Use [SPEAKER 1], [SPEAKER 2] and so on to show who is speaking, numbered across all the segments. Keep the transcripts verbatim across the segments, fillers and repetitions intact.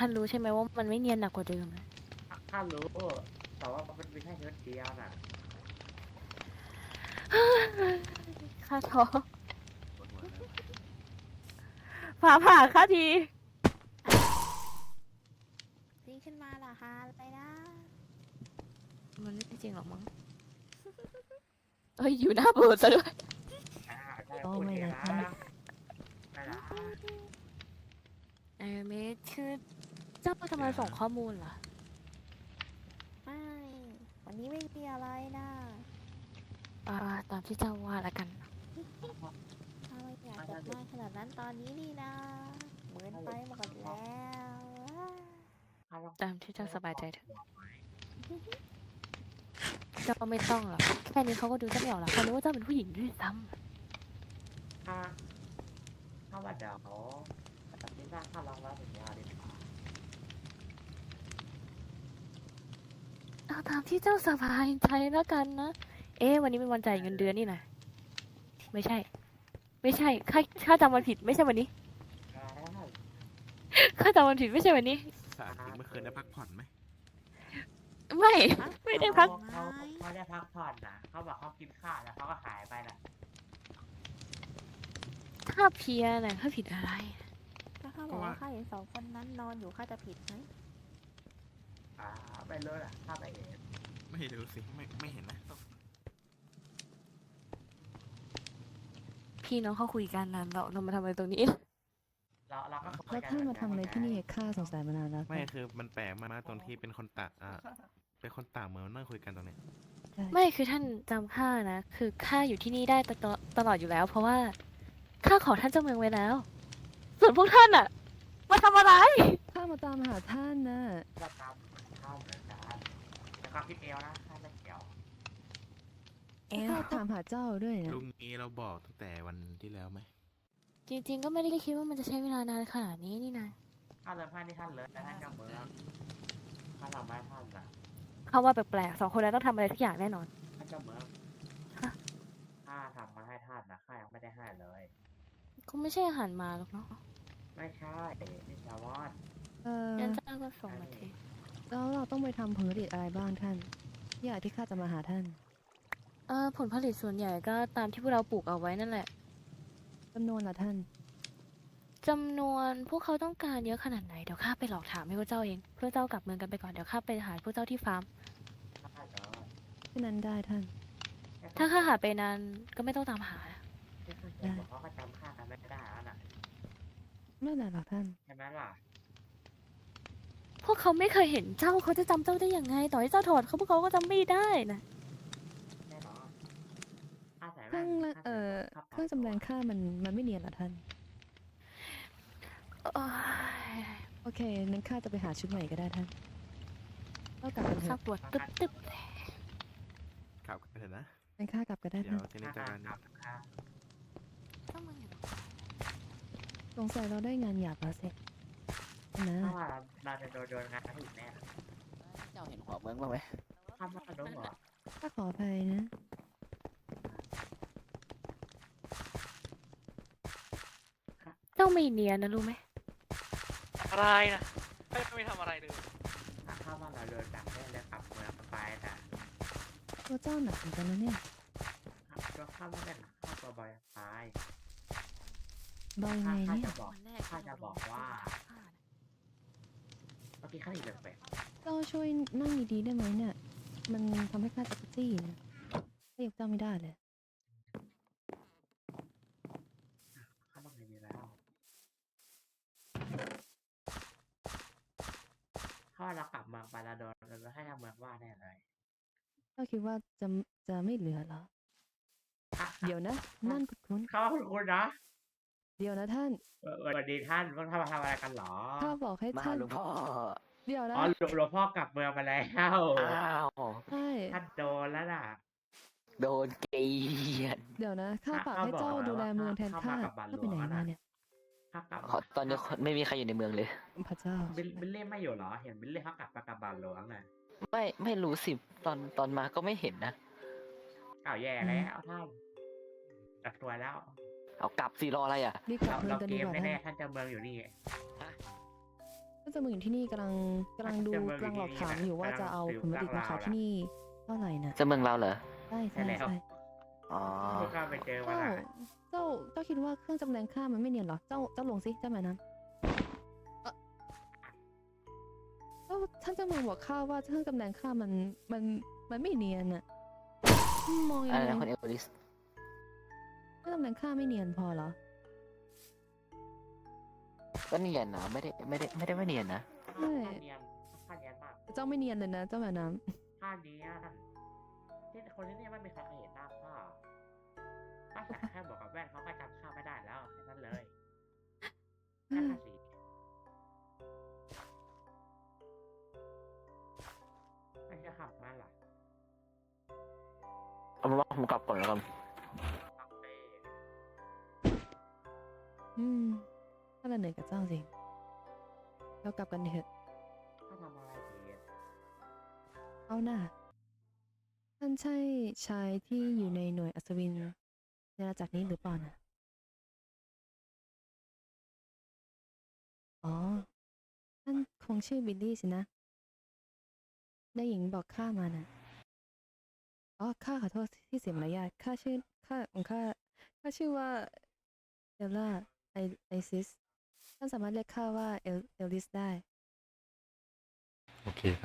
[SPEAKER 1] ท่านรู้ใช่ไหมว่ามันไม่เนียนหนักกว่าเดิมนะ
[SPEAKER 2] ข้ารู้แต่ว่ามันเป็นแค่เชื้อเดียวน่ะ
[SPEAKER 1] ข้าท้อ
[SPEAKER 3] ปวดหัวแล้ว
[SPEAKER 1] ผ่าผ่าข้าที
[SPEAKER 4] วิ่งขึ้นมาเหรอคะอะไรนะ
[SPEAKER 1] มันไม่จริงหรอกมั้งเอ้ยอยู่หน้าโบสถ์ซะด้วย
[SPEAKER 2] อ่าใช่
[SPEAKER 4] โอ้
[SPEAKER 2] พูด
[SPEAKER 4] ไม่
[SPEAKER 2] เอง
[SPEAKER 4] นะ
[SPEAKER 2] นะคะ ไม่ละ
[SPEAKER 1] เออเมคือเจ้าทำไมส่งข้อมูลล่ะ
[SPEAKER 4] ไม่วันนี้ไม่มีอะไรนะ
[SPEAKER 1] อ่าตามที่เจ้าว่าแล้วกัน
[SPEAKER 4] ถ้าไม่อยากจะได้ขนาดนั้นตอนนี้นี่นะเหมือนไปหมดแล้ว
[SPEAKER 2] ข้าลอง
[SPEAKER 1] ตามที่เจ้าสบายใจเถอะเจ้าไม่ต้องหรอกแค่นี้เขาก็ดูเจ้าไม่ออกแล้วเขารู้ว่าเจ้าเป็นผู้หญิงด้วยซ้
[SPEAKER 2] ข้าข้าว่าเดี๋ยวแต่ที่หน้าข้าลองแล้วสัญญาดีกว่า
[SPEAKER 1] ำเอาตามที่เจ้าสบายใจแล้วกันนะ เอ๊ะวันนี้เป็นวันจ่ายเงินเดือนนี่นะไม่ใช่ ไม่ใช่ข้าข้าจำวันผิดไม่ใช่วันนี้
[SPEAKER 2] แล้ว
[SPEAKER 1] ข้าจำวันผิดไม่ใช่วันนี้
[SPEAKER 3] สาธิตเมื่อคืนได้พักผ่อนไหม
[SPEAKER 1] ไม่ ไม่ได้พัก
[SPEAKER 2] เขาเขาได้พักผ่อนนะเขาบอกเขากินข้าวแล้วเขาก็หายไปน่ะ
[SPEAKER 1] ถ้าเพลียน่ะข้าผิดอะไร
[SPEAKER 4] ถ้าข้าบอกว่าข้าเห็นสองคนนั้นนอนอยู่ข้าจะผิดไหม
[SPEAKER 2] อ่าไม่รู้ล่ะข้าไปเอง
[SPEAKER 3] ไม่รู้สิไม่ไม่เห็นนะ
[SPEAKER 1] พี่น้องเขาคุยกันนะเราเรามาทำอะไรตรงนี้
[SPEAKER 2] เราเราก็คุย
[SPEAKER 5] แล้ว
[SPEAKER 2] กัน
[SPEAKER 5] ท่านมาทำอะไรที่นี่ข้าสงสัยมานานแล้ว
[SPEAKER 3] ไม่คือมันแปลกมากๆตรงที่เป็นคนต่างอ่าเป็นคนต่างเมืองนั่งคุยกันตรงเนี้ย
[SPEAKER 5] ใช่
[SPEAKER 1] ไม่คือท่านจำข้านะ คือข้าอยู่ที่นี่ได้ตลอดตลอดอยู่แล้ว เพราะว่าข้าขอท่านเจ้าเมืองไว้แล้ว ส่วนพวกท่านอะมาทำอะไร
[SPEAKER 5] ข้ามาตามหาท่านนะ
[SPEAKER 2] เราตามข้าวเหมือนกันแต่ความคิดเอวนะข้าไม่เกี่ยว
[SPEAKER 1] เอ๊ะ
[SPEAKER 5] ข้าถามหาเจ้าด้วยนะ
[SPEAKER 3] ลุงนี้เราบอกตั้งแต่วันที่แล้วไหม
[SPEAKER 1] จริงๆก็ไม่ได้คิดว่ามันจะใช้เวลานานขนาดนี้นี่นะ
[SPEAKER 2] ข้าเลยพลาดที่ท่านเลยแต่ท่านเจ้าเมืองข้าทำไม่ท่านน่ะ
[SPEAKER 1] เขาว่าแปลกๆสองคนนั้นต้องทำอะไรทุกอย่างแน่นอน
[SPEAKER 2] ท่านเจ้าเมือง
[SPEAKER 1] ฮะ
[SPEAKER 2] ข้าทำมาให้ท่านนะข้ายังไม่ได้ให้เลย
[SPEAKER 1] คงไม่ใช่อาหารหมาหรอกเนาะ
[SPEAKER 2] ไม่ใช่นี่ชาวอน
[SPEAKER 5] เออ
[SPEAKER 1] งั้นเจ้าก็ส่งมาที
[SPEAKER 5] แล้วเราต้องไปทำผลผลิตอะไรบ้างท่านที่อยากที่ข้าจะมาหาท่าน
[SPEAKER 1] เออผลผลิตส่วนใหญ่ก็ตามที่พวกเราปลูกเอาไว้นั่นแหละ
[SPEAKER 5] จำนวนละท่าน
[SPEAKER 1] จำนวนพวกเขาต้องการเยอะขนาดไหนเดี๋ยวข้าไปหลอกถามให้พวกเจ้าเองเพื่อเจ้ากลับเมืองกันไปก่อนเดี๋ยวข้าไปหาพวกเจ้าที่ฟาร์ม
[SPEAKER 2] ข้าเหรอ
[SPEAKER 5] แค่นั้นได้ท่าน
[SPEAKER 1] ถ้าข้าหาไปนานก็ไม่ต้องตามหา
[SPEAKER 2] ที่ท่านเขียนบอกเขาก็จำข้ากันไม่ได้แล้วน่ะ
[SPEAKER 5] ไม่เป็นไรหรอกท่าน
[SPEAKER 2] ใช่ไหมล่ะ
[SPEAKER 1] พวกเขาไม่เคยเห็นเจ้าเขาจะจำเจ้าได้ยังไง ต่อให้เจ้าถอดเขาพวกเขาก็จำไม่ได้นะ
[SPEAKER 2] แน่นอนข้าใส่
[SPEAKER 5] เค
[SPEAKER 2] แว่
[SPEAKER 5] รื่อน งละ
[SPEAKER 2] ข้า
[SPEAKER 5] เอ่
[SPEAKER 2] ใส่
[SPEAKER 5] อเครื่องจำแรงค่ามันมันไม่เนียนเหรอท่าน
[SPEAKER 1] โอ้ย
[SPEAKER 5] โอเคนั้นข้าจะไปหาชุดใหม่ก็ได้ท่านเรากลับกันเถ
[SPEAKER 1] ข้า
[SPEAKER 5] อะ
[SPEAKER 1] ปวดตึ๊บตึ๊บ
[SPEAKER 3] กลับกันเถอะนะ
[SPEAKER 5] งั้นข้ากลับก็ได้
[SPEAKER 3] เดี๋ย
[SPEAKER 5] ท่า
[SPEAKER 3] วน ที่นี่
[SPEAKER 2] ข้า
[SPEAKER 3] เจะกัน
[SPEAKER 2] กลับข้า
[SPEAKER 1] เจ้ามึงอยู่
[SPEAKER 5] สงสัยเราได้งานหยาบแล้วสินะ
[SPEAKER 2] เพราะว่าเราจะโดนโดนงานถึงแน่
[SPEAKER 6] เจ้าเห็นหัวเมืองบ้างไหม
[SPEAKER 2] ข้าไม่รู้หรอ
[SPEAKER 5] ข้าขออภัยนะ
[SPEAKER 1] เจ้าไม่เนียนนะรู้ไหม
[SPEAKER 6] อะไรนะไม่ไม่ทำอะไรเลย
[SPEAKER 2] ข้าว่าเราโดนจับได้แล้วกลับเมืองไปนะ
[SPEAKER 5] ตัวเจ้าหนักเหมือนกันนะเนี่ย
[SPEAKER 2] ตัวข้าไม่ได้หนักข้าตัวบอยตาย
[SPEAKER 5] เบายังไง
[SPEAKER 2] ข้า
[SPEAKER 5] เนี่ย
[SPEAKER 2] จะบอกข้าจะบอกว่าเมื่อกี้ข้าอีกแปลก
[SPEAKER 5] เจ้าช่วยนั่งดีๆได้ไหมเนี่ย มันทำให้ข้าจักรจี้นะข้ายกเจ้าไม่ได้เลย
[SPEAKER 2] ข้าต้องดีแล้วข้าเรากลับเมืองไปแล้วโดนเราให้ทางเมืองว่าแน่เลย
[SPEAKER 5] เจ้าคิดว่าจะจะไม่เหลือเหรอ เดี๋ยวนะ นั่นคุ้น
[SPEAKER 2] ข้าคุณคุณนะ
[SPEAKER 5] ๆเดี๋ยวนะท่าน
[SPEAKER 2] สวัสดีท่านพวกท่านมาทำอะไรกันหรอ
[SPEAKER 5] ข้าบอกให้
[SPEAKER 6] มา
[SPEAKER 5] ท่าน
[SPEAKER 6] หลวงพ่อ
[SPEAKER 5] เดี๋ยวนะ
[SPEAKER 2] อ๋อหลวงพ่อกลับเมืองมาแล้ว
[SPEAKER 6] อ้าว
[SPEAKER 5] ใช่
[SPEAKER 2] ท่านโดนแล้วน่ะ
[SPEAKER 6] โดนเกลียด
[SPEAKER 5] เดี๋ยวนะ ข้า
[SPEAKER 2] ข้า
[SPEAKER 5] ฝาก
[SPEAKER 2] ข้า
[SPEAKER 5] ให้เจ้า
[SPEAKER 2] บอกแล้ว
[SPEAKER 5] ดูแล
[SPEAKER 2] ว่า
[SPEAKER 5] เมืองแทน
[SPEAKER 2] ข้า
[SPEAKER 5] ข้า
[SPEAKER 2] มากับบาทหล
[SPEAKER 5] ข้าว ไป
[SPEAKER 2] ง
[SPEAKER 5] ไหน
[SPEAKER 2] แล้ว
[SPEAKER 5] มา
[SPEAKER 2] นะ
[SPEAKER 5] เนี่ย
[SPEAKER 2] ข้ากลับ
[SPEAKER 6] ขอตอนนี้ไม่มีใครอยู่ในเมืองเลย
[SPEAKER 5] พระเจ้า
[SPEAKER 2] บิลบิลเล่ไม่อยู่เหรอ เห็นบิลเล่เขากลับมากับบาทหลวงน่ะ
[SPEAKER 6] ไม่ไม่รู้สิตอนตอนมาก็ไม่เห็นนะ
[SPEAKER 2] อ้าวแย่แล้วท่านจัดตัวแล้ว
[SPEAKER 6] เอากลับสิรออะไรอ่ะ
[SPEAKER 5] รีบกลั
[SPEAKER 2] เรา
[SPEAKER 5] บเมือ
[SPEAKER 2] เรา
[SPEAKER 5] งกัน
[SPEAKER 2] เก
[SPEAKER 5] ดี
[SPEAKER 2] ม
[SPEAKER 5] กว่าท่าน
[SPEAKER 2] แน่ๆท่านเจะเมืองอยู่นี่
[SPEAKER 5] ก็เจ้าเมืองอยู่ที่นี่กำลังกำลังดูกำลังหลอกถามอยู่ว่าจะเอาผลผลิตมาขายที่นี่เท่าไหร่น่ะ
[SPEAKER 7] เจ้าเมืองเราเหรอ
[SPEAKER 5] ใช่ใช่ใช่
[SPEAKER 7] อ๋อ
[SPEAKER 2] พวกเราไปเจอมา
[SPEAKER 5] เจ้า
[SPEAKER 2] ละ
[SPEAKER 5] เจ้าเจ้าคิดว่าเครื่องจำแรงค่ามันไม่เนียนเหรอเจ้าเจ้าลงสิเจ้าหมายนั้นเอ้าเจ้าท่านเจ้าเมืองบอกข้าว่าเครื่องจำแรงค่ามันมันมันไม่เนียนอะมองยั
[SPEAKER 7] อะ
[SPEAKER 5] ง
[SPEAKER 7] ไร
[SPEAKER 5] ไง
[SPEAKER 7] นะคุณเอลลิส
[SPEAKER 5] เครื่องจำแรงค่าไม่เนียนพอเหรอ
[SPEAKER 7] ก็เนียนนะไม่ได้ไม่ได้ไม่ได้ไม่เนียนนะ
[SPEAKER 5] ใช่
[SPEAKER 2] ค่าเนียนค่าเนียนมาก
[SPEAKER 5] เจ้าไม่เนียนเลยนะเจ้าหมายน้
[SPEAKER 2] ค่าเนียนที่คนที่นี่ไม่มีใครเคยเห็นหน้าข้าข้าแค่แค่บอกกับแว่นเขาก็จำข้าไม่ได้แล้วแค่นั้นเลยแค่ภาษีไม่ใช่ขับมาหรอ
[SPEAKER 7] เอาเป็นว่าผมกลับก่อนแล้วกัน
[SPEAKER 2] ขับไป
[SPEAKER 5] ำอืมถ้าเราเหนื่อยกับเจ้าจริงเรากลับกันเถอะ
[SPEAKER 2] ข้าทำอะไรผิด
[SPEAKER 5] เอาหน้าท่านใช่ชายที่อยู่ในหน่วยอัศวินในอาณาจักรนี้หรือเปล่านะอ๋อท่านคงชื่อบิลลี่สินะได้หญิงบอกข้ามานะอ๋อข้าขอโทษที่เสียมารยาทข้าชื่อข้าของข้าข้าชื่อว่าเอลล่าไอไอซิสท่านสามารถเรียกข้าว่าเอลเอลลิสได้
[SPEAKER 8] โอเคครับ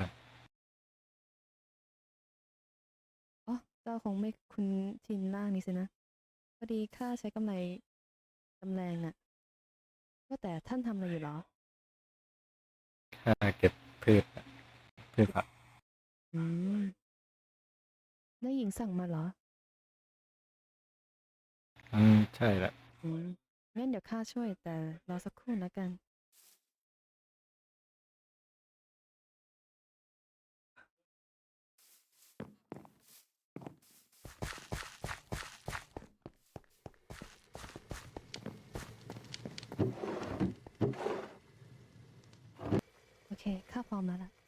[SPEAKER 5] อ๋อเจ้าคงไม่คุ้นชินร่างนี้สินะพอดีข้าใช้กำไรกำแรงน่ะว่าแต่ท่านทำอะไรอยู่เหรอ
[SPEAKER 8] ค่าเก็บพืชอะพืชผัก
[SPEAKER 5] อืมได้หญิงสั่งมาเหรอ
[SPEAKER 8] อืมใช่ละ
[SPEAKER 5] อืมงั้นเดี๋ยวข้าช่วยแต่รอสักครู่นะกัน โอเค ข้าพร้อมแล้วล่ะ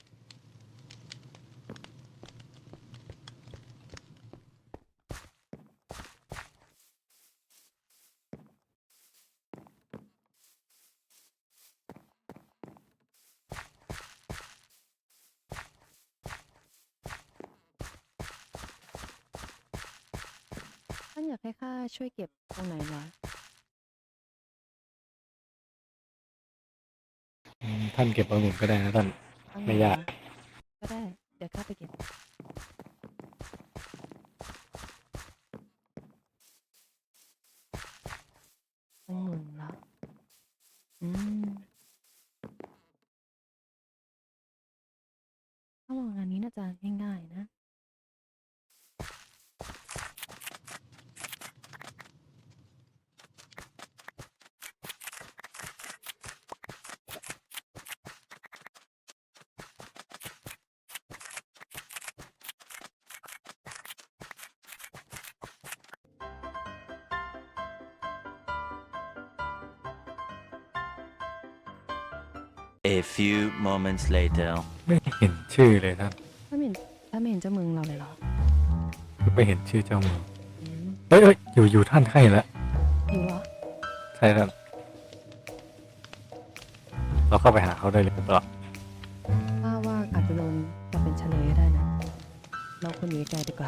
[SPEAKER 5] ท่านอยากให้ข้าช่วยเก็บตรงไหนเหรอ
[SPEAKER 8] อืมท่านเก็บองุ่นก็ได้นะท่าน
[SPEAKER 5] เอาไง
[SPEAKER 8] ไม่ยาก
[SPEAKER 5] เหรอก็ได้ เดี๋ยวข้าไปเก็บองุ่นเหรอ อืมถ้ามองงานนี้น่าจะง่ายๆนะ
[SPEAKER 9] A few moments later.
[SPEAKER 8] ไม่เห็นชื่อเลยท่าน
[SPEAKER 5] ถ้าไม่เห็นถ้าไม่เห็นเจ้าเมืองเราเลยเหรอ
[SPEAKER 8] ไม่เห็นชื่อเจ้าเมือง
[SPEAKER 5] อืม
[SPEAKER 8] เอ้ยเอ้ยอยู่อยู่ท่านใช่แล้ว
[SPEAKER 5] อยู่เหรอ
[SPEAKER 8] ใช่ท่านเราเข้าไปหาเขาได้เลยหรือเปล่า
[SPEAKER 5] ข้าว่าอาจจะโดนจับเป็นเฉลยก็ได้นะ เราควรอยู่ไกลๆดีกว่า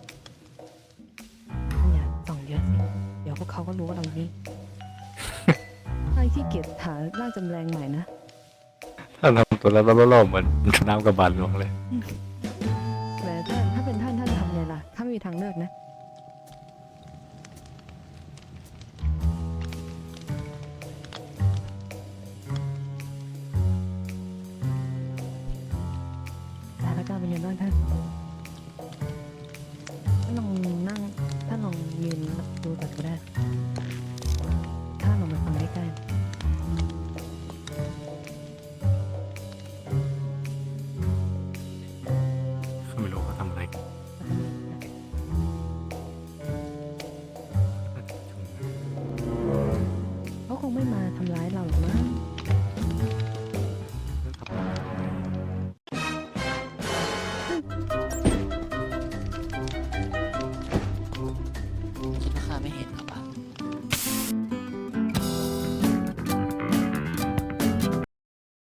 [SPEAKER 5] ท่านอย่าส่องเยอะสิ เดี๋ยวพวกเขาก็รู้ว่าเราอยู่นี่ ไอ้ที่เกียจหาร่างจำแรงใหม่นะ
[SPEAKER 8] ท่านทำตัวแล้วล่อๆเหมือนน้ำกระบาลหลวงเลย
[SPEAKER 5] แต่ท่านถ้าเป็นท่านท่านจะทำไงล่ะ ถ้าไม่มีทางเลือกนะ สถานการณ์เป็นยังไงบ้างท่านท่านลองนั่งท่านลองยืนดูก่อนก็ได้